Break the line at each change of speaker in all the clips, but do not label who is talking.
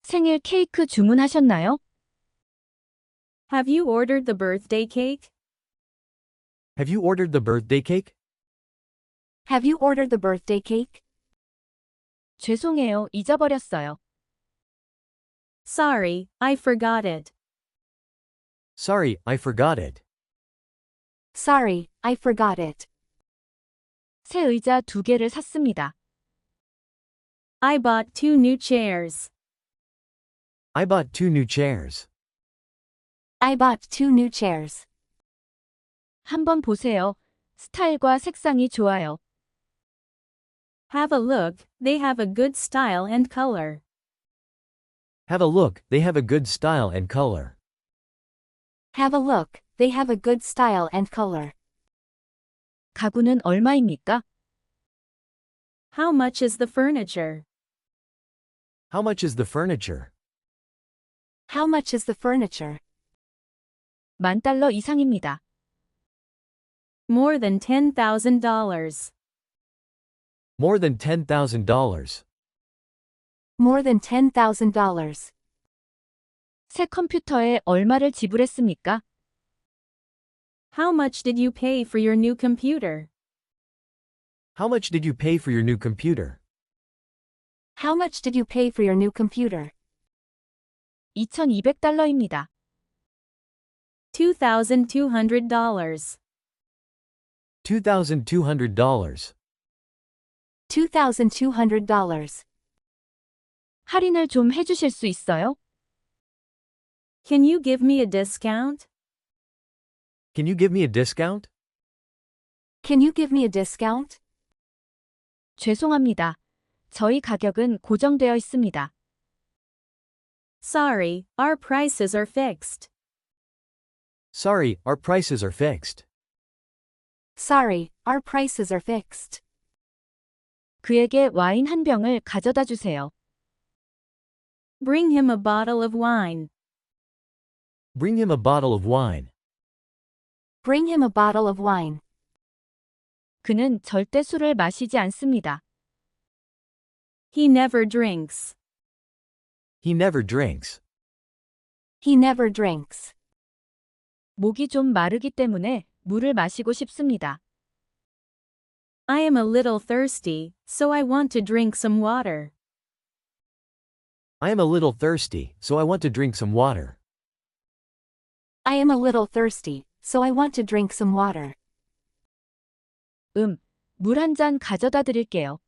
생일 케이크 주문하셨나요?
Have you ordered the birthday cake?
Have you ordered the birthday cake?
Have you ordered the birthday cake?
죄송해요, 잊어버렸어요.
Sorry, I forgot it.
Sorry, I forgot it.
Sorry, I forgot it.
새 의자 2개를 샀습니다.
I bought 2 new chairs.
I bought 2 new chairs.
I bought 2 new chairs.
한번 보세요. 스타일과 색상이 좋아요.
Have a look, they have a good style and color.
Have a look, they have a good style and color.
Have a look, they have a good style and color.
가구는 얼마입니까?
How much is the furniture?
How much is the furniture?
How much is the furniture?
$10,000 이상입니다.
More than $10,000.
More than $10,000.
More than $10,000.
새 컴퓨터에 얼마를 지불했습니까?
How much did you pay for your new computer?
How much did you pay for your new computer?
How much did you pay for your new computer?
$2,200입니다.
$2,200.
$2,200.
$2,200.
할인을 좀 해주실 수 있어요?
Can you give me a discount?
Can you give me a discount?
Can you give me a discount?
죄송합니다. 저희 가격은 고정되어 있습니다.
Sorry, our prices are fixed.
Sorry, our prices are fixed.
Sorry, our prices are fixed.
그에게 와인 한 병을 가져다 주세요.
Bring him a bottle of wine.
Bring him a bottle of wine.
Bring him a bottle of wine.
그는 절대 술을 마시지 않습니다.
He never drinks.
He never drinks.
He never drinks.
목이 좀 마르기 때문에 물을 마시고 싶습니다.
I am a little thirsty, so I want to drink some water.
I am a little thirsty, so I want to drink some water.
I am a little thirsty, so I want to drink some water.
물 한 잔 가져다 드릴게요.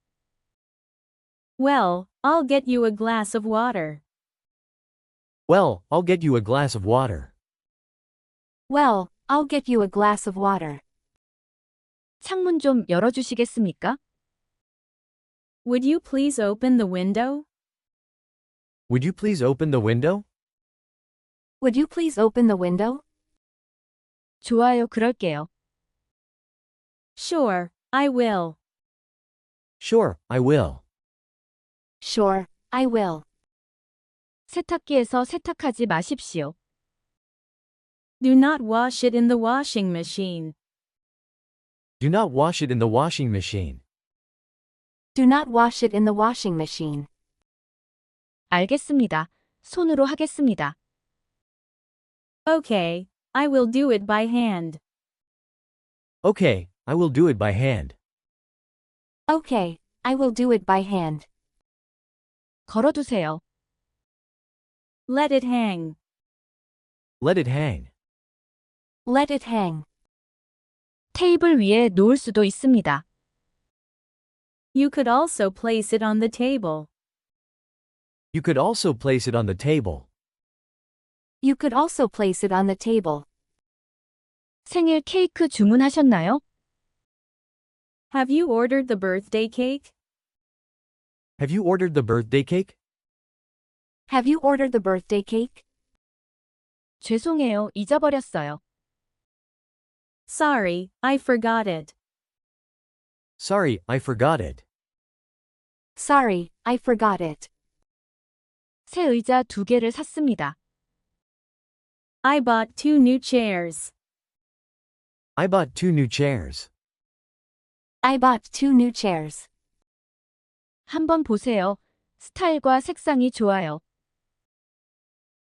Well, I'll get you a glass of water.
Well, I'll get you a glass of water.
Well, I'll get you a glass of water.
창문 좀 열어주시겠습니까?
Would you please open the window?
Would you please open the window?
Would you please open the window?
좋아요, 그럴게요.
Sure, I will.
Sure, I will.
Sure, I will.
세탁기에서 세탁하지 마십시오.
Do not wash it in the washing machine.
Do not wash it in the washing machine.
Do not wash it in the washing machine.
알겠습니다. 손으로 하겠습니다.
Okay, I will do it by hand.
Okay, I will do it by hand.
Okay, I will do it by hand.
걸어두세요.
Let it hang.
Let it hang.
Let it hang.
테이블 위에 놓을 수도 있습니다.
You could also place it on the table.
You could also place it on the table.
You could also place it on the table.
생일 케이크 주문하셨나요?
Have you ordered the birthday cake?
Have you ordered the birthday cake?
Have you ordered the birthday cake?
죄송해요, 잊어버렸어요.
Sorry, I forgot it.
Sorry, I forgot it.
Sorry, I forgot it.
새 의자 2개를 샀습니다.
I bought 2 new chairs.
I bought 2 new chairs.
I bought 2 new chairs.
한번 보세요. 스타일과 색상이 좋아요.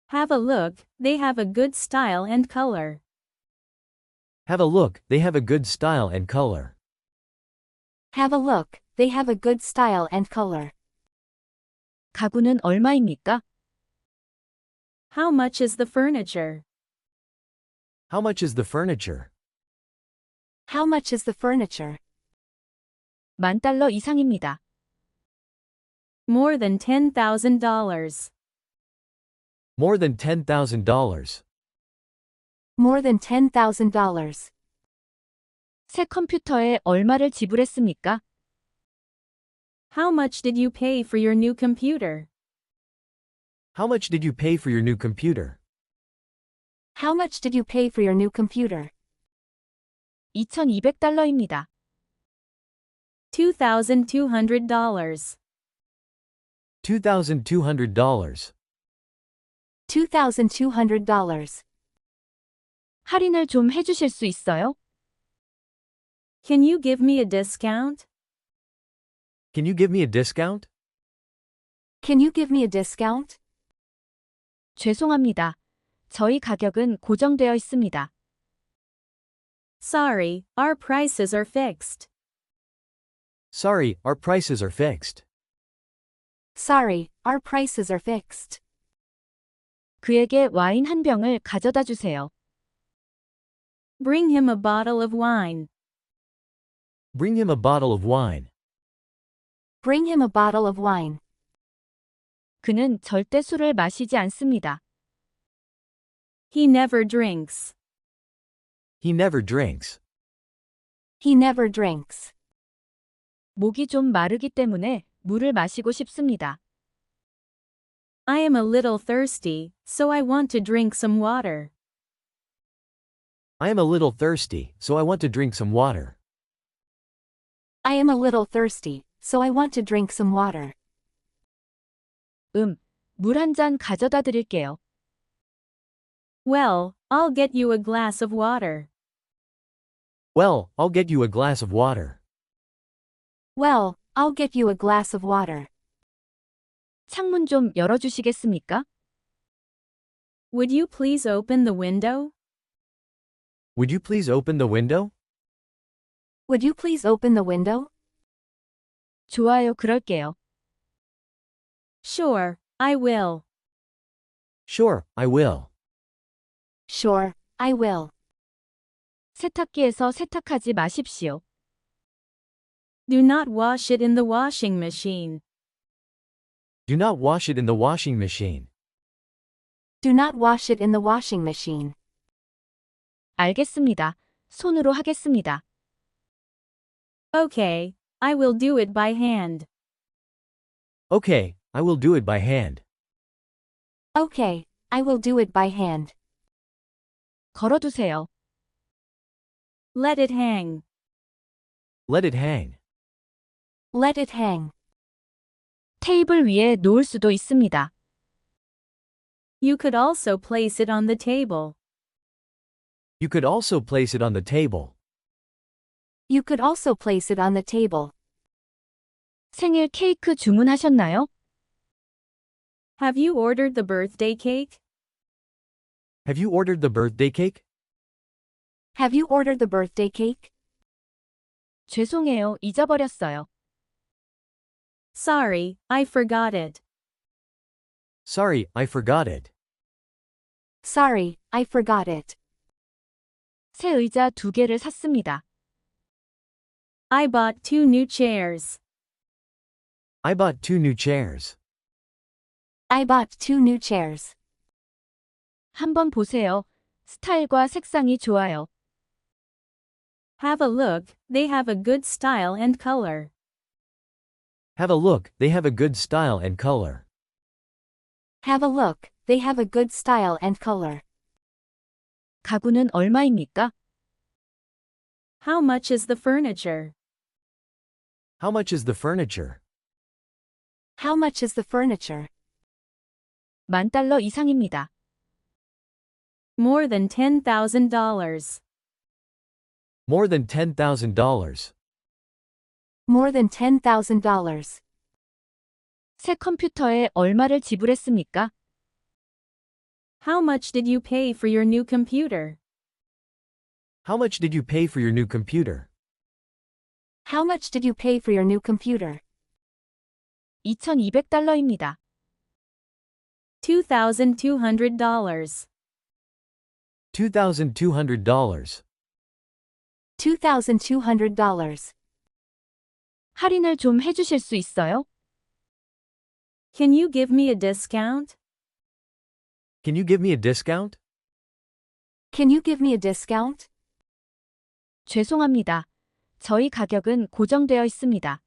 Have a look, they have a good style and color.
Have a look, they have a good style and color.
Have a look, they have a good style and color.
가구는 얼마입니까?
How much is the furniture?
How much is the furniture?
How much is the furniture?
$10,000 이상입니다.
More than $10,000.
More than $10,000.
More than $10,000.
새 컴퓨터에 얼마를 지불했습니까?
How much did you pay for your new computer?
How much did you pay for your new computer?
How much did you pay for your new computer?
$2,200입니다.
$2,200.
$2,200.
$2,200.
할인을 좀 해주실 수 있어요?
Can you give me a discount?
Can you give me a discount?
Can you give me a discount?
죄송합니다. 저희 가격은 고정되어 있습니다.
Sorry, our prices are fixed.
Sorry, our prices are fixed.
Sorry, our prices are fixed.
그에게 와인 한 병을 가져다 주세요.
Bring him a bottle of wine.
Bring him a bottle of wine.
Bring him a bottle of wine.
그는 절대 술을 마시지 않습니다.
He never drinks.
He never drinks.
He never drinks.
목이 좀 마르기 때문에 물을 마시고 싶습니다.
I am a little thirsty, so I want to drink some water.
I am a little thirsty, so I want to drink some water.
I am a little thirsty, so I want to drink some water.
물 한 잔 가져다 드릴게요.
Well, I'll get you a glass of water.
Well, I'll get you a glass of water.
Well, I'll get you a glass of water.
창문 좀 열어주시겠습니까?
Would you please open the window?
Would you please open the window?
Would you please open the window?
좋아요, 그럴게요.
Sure, I will.
Sure, I will.
Sure, I will.
세탁기에서 세탁하지 마십시오.
Do not wash it in the washing machine.
Do not wash it in the washing machine.
Do not wash it in the washing machine.
알겠습니다. 손으로 하겠습니다.
Okay, I will do it by hand.
Okay, I will do it by hand.
Okay, I will do it by hand.
걸어두세요.
Let it hang.
Let it hang.
Let it hang.
테이블 위에 놓을 수도 있습니다.
You could also place it on the table.
You could also place it on the table.
You could also place it on the table.
생일 케이크 주문하셨나요?
Have you ordered the birthday cake?
Have you ordered the birthday cake?
Have you ordered the birthday cake?
죄송해요, 잊어버렸어요.
Sorry, I forgot it.
Sorry, I forgot it.
Sorry, I forgot it.
새 의자 2개를 샀습니다.
I bought 2 new chairs.
I bought 2 new chairs.
I bought 2 new chairs.
한번 보세요. 스타일과 색상이 좋아요.
Have a look, they have a good style and color.
Have a look, they have a good style and color.
Have a look, they have a good style and color.
가구는 얼마입니까?
How much is the furniture?
How much is the furniture?
How much is the furniture?
$10,000 이상입니다.
More than $10,000.
More than $10,000.
More than $10,000.
새 컴퓨터에 얼마를 지불했습니까?
How much did you pay for your new computer?
How much did you pay for your new computer?
How much did you pay for your new computer?
$2,200입니다.
$2,200.
$2,200.
$2,200.
할인을 좀 해주실 수 있어요?
Can you give me a discount?
Can you give me a discount?
Can you give me a discount?
죄송합니다. 저희 가격은 고정되어 있습니다.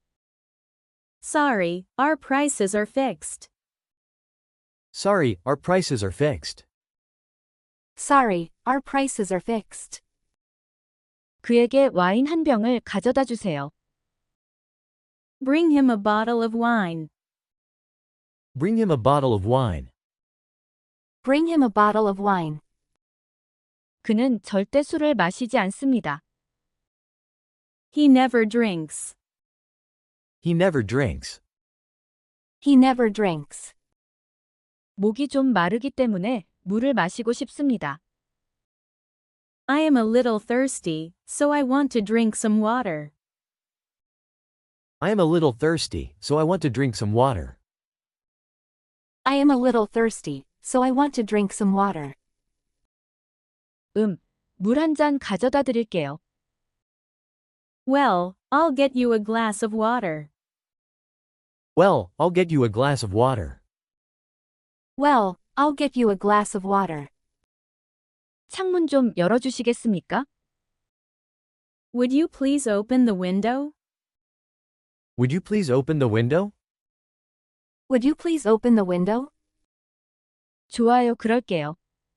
Sorry, our prices are fixed.
Sorry, our prices are fixed.
Sorry, our prices are fixed.
그에게 와인 한 병을 가져다 주세요.
Bring him a bottle of wine.
Bring him a bottle of wine.
Bring him a bottle of wine.
그는 절대 술을 마시지 않습니다.
He never drinks.
He never drinks.
He never drinks.
목이 좀 마르기 때문에 물을 마시고 싶습니다.
I am a little thirsty, so I want to drink some water.
I am a little thirsty, so I want to drink some water.
I am a little thirsty, so I want to drink some water.
물 한 잔 가져다 드릴게요.
Well, I'll get you a glass of water.
Well, I'll get you a glass of water.
Well, I'll get you a glass of water.
창문 좀 열어주시겠습니까?
Would you please open the window?
Would you please open the window?
Would you please open the window?
좋아요, 그럴게요.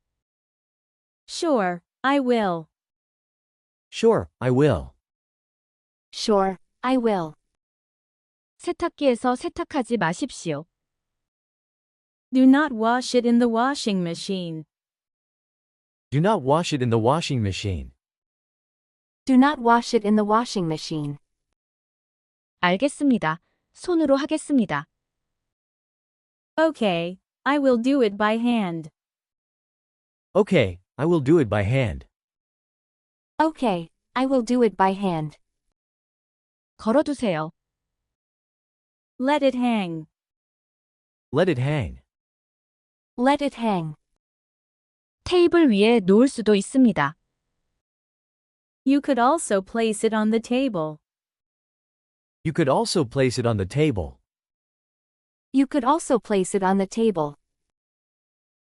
Sure, I will.
Sure, I will.
Sure, I will.
세탁기에서 세탁하지 마십시오.
Do not wash it in the washing machine.
Do not wash it in the washing machine.
Do not wash it in the washing machine.
알겠습니다. 손으로 하겠습니다.
Okay, I will do it by hand.
Okay, I will do it by hand.
Okay, I will do it by hand.
걸어두세요.
Let it hang.
Let it hang.
Let it hang.
테이블 위에 놓을 수도 있습니다.
You could also place it on the table.
You could also place it on the table.
You could also place it on the table.